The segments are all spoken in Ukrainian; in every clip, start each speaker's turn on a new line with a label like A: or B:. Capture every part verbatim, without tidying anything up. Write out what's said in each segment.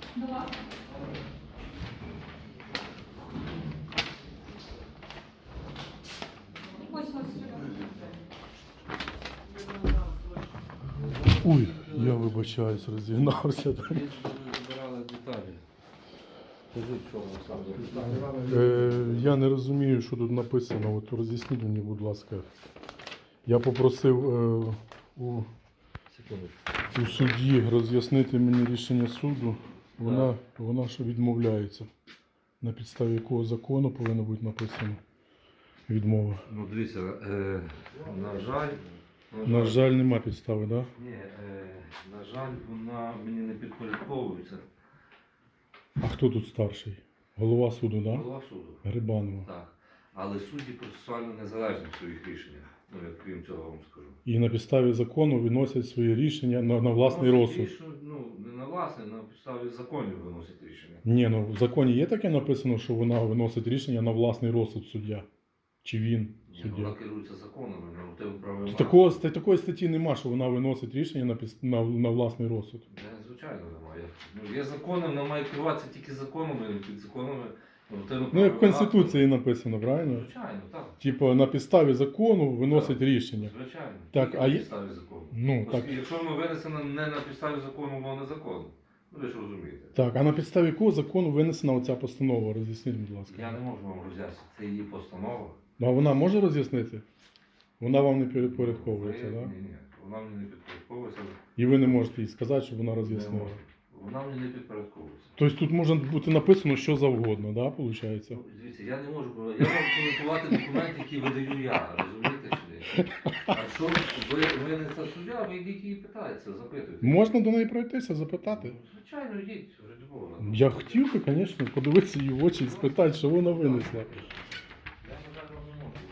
A: Два. Ось ось сюди.
B: Ой, я вибачаюсь, розігнався.
C: Збирали деталі. Скажіть, що ви саме?
B: Е, я не розумію, що тут написано. От роз'ясніть мені, будь ласка. Я попросив е, у,
C: Секундочку.
B: у судді роз'яснити мені рішення суду. Вона, вона ще відмовляється. На підставі якого закону повинно бути написано відмова.
C: Ну, дивіться, е, на жаль,
B: На жаль, нема підстави, так? Да?
C: ні, е, на жаль, вона мені не підпорядковується.
B: А хто тут старший? Голова суду, так? Да?
C: Голова суду.
B: Грибанова.
C: Так. Але судді процесуально незалежні в своїх рішеннях. Ну, як крім цього вам скажу.
B: І на підставі закону виносять свої рішення на, на власний
C: Виносять
B: розсуд.
C: рішення, ну, не на власне, на підставі законів виносять рішення.
B: Ні, ну в законі є таке написано, що вона виносить рішення на власний розсуд суддя. Чи він
C: Ні,
B: суддя?
C: вона керується законами, нормативно правовими.
B: Такого, ста- такої статті нема, що вона виносить рішення на, піс- на, на власний розсуд.
C: Е, Звичайно, немає. Ну, є закони, вона має керуватися тільки законами, під законами.
B: Ну, як в Конституції написано, правильно?
C: Звичайно, так.
B: Типу, на підставі закону виносить рішення.
C: Звичайно.
B: Так,
C: Тільки
B: а
C: на
B: є-
C: підставі закону.
B: Ну, так.
C: Оскільки, якщо воно винесено не на підставі закону, воно незаконно. Ну, ви ж розумієте.
B: Так, а на підставі якого закону винесена оця постанова? Роз'ясніть, будь ласка.
C: Я не можу вам роз'яснити. Це її постанова.
B: Ну, а вона може роз'яснити? Вона вам не підпорядковується,
C: Ви-
B: так? Да?
C: Ні, ні. Вона мені не підпорядковується.
B: І ви не можете їй сказати, щоб вона
C: Не
B: роз'яснила.
C: можу. Вона мені не підпорядковується.
B: Тобто тут може бути написано що завгодно, да, виходить?
C: Ну, дивіться, я не можу, я можу коментувати документи, які видаю я, розумієте чи ні? А що ви, ви не та суддя, ви йдіть і питаєте, запитуйте.
B: Можна до неї пройтися, запитати?
C: Ну, звичайно, йдіть, ради Бога.
B: Я хотів би, звісно, подивитися її в очі і спитати, що вона винесла.
C: Я, на жаль, вам не можу.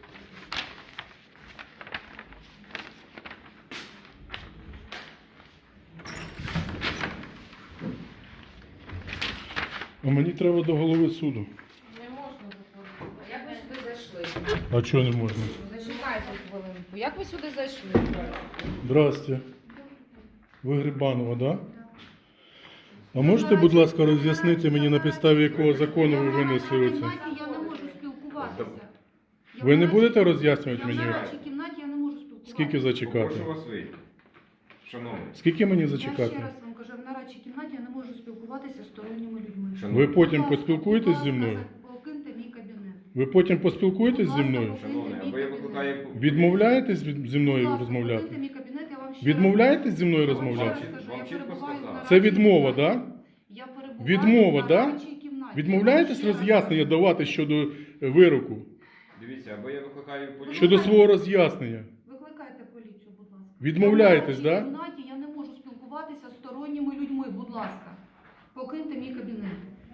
B: А мені треба до голови суду.
D: Не можна заходити. Як ви сюди зайшли?
B: А чого не можна?
D: Зачекайте хвилинку. Як ви сюди зайшли?
B: Здрасте. Ви Грибанова, так? Да? А можете, будь ласка, роз'яснити мені, на підставі якого закону ви винесли оце?
A: Я не можу спілкуватися. Я
B: Ви не
A: в
B: будете
A: нарадчій-
B: роз'яснювати
A: Я
B: мені?
A: в нарадчій кімнаті я не можу спілкуватися.
B: Скільки зачекати?
E: Прошу вас вийти. Шановний.
B: Скільки мені
A: Я ще
B: зачекати?
A: раз вам кажу, в нарадчій кімнаті я не можу спілкуватися з сторонніми людьми.
B: Ви потім
A: Будь ласка,
B: поспілкуєтесь
A: будь
B: зі
A: ласка,
B: мною?
A: Покиньте мій кабінет.
B: Ви потім поспілкуєтесь зі мною?
E: Шановний, або я викликаю...
B: Відмовляєтесь від- зі
A: Будь
B: мною
A: ласка,
B: розмовляти?
A: покиньте мій кабінет, я вам ще
B: Відмовляєтесь
A: раз-
B: зі мною
A: Я вам ще
B: розмовляти?
A: раз кажу,
E: Вам
A: я
E: чітко
A: перебуваю в
E: сказав.
A: нарадчій
B: Це відмова,
A: кімнаті.
B: так?
A: Я перебуваю
B: Відмова,
A: в
B: да?
A: нарадчій кімнаті.
B: Відмовляєтесь
A: Я вам ще раз
B: роз'яснення
A: кажу.
B: давати щодо вироку?
E: Дивіться, або я викликаю поліцію.
B: Щодо свого роз'яснення?
A: Викликайте поліцію, будь ласка.
B: Відмовляєтесь,
A: Я в
B: да?
A: нарадчій кімнаті, я не можу спілкуватися з сторонніми людьми, будь ласка. Покиньте мій кабінет.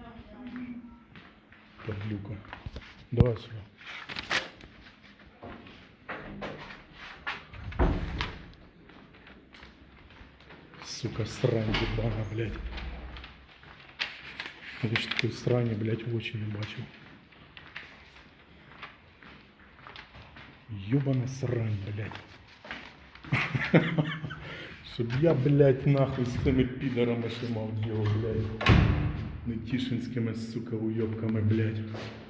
B: Падлюка. Давай сюди. Сука, срань ебана, блядь. Я ж такой срані, блядь, в очі не бачив. Ёбана срань, блядь. Щоб я, блядь, нахуй з цими підарами ще мав діло, блядь. Нетішинськими, сука, уйобками, блядь.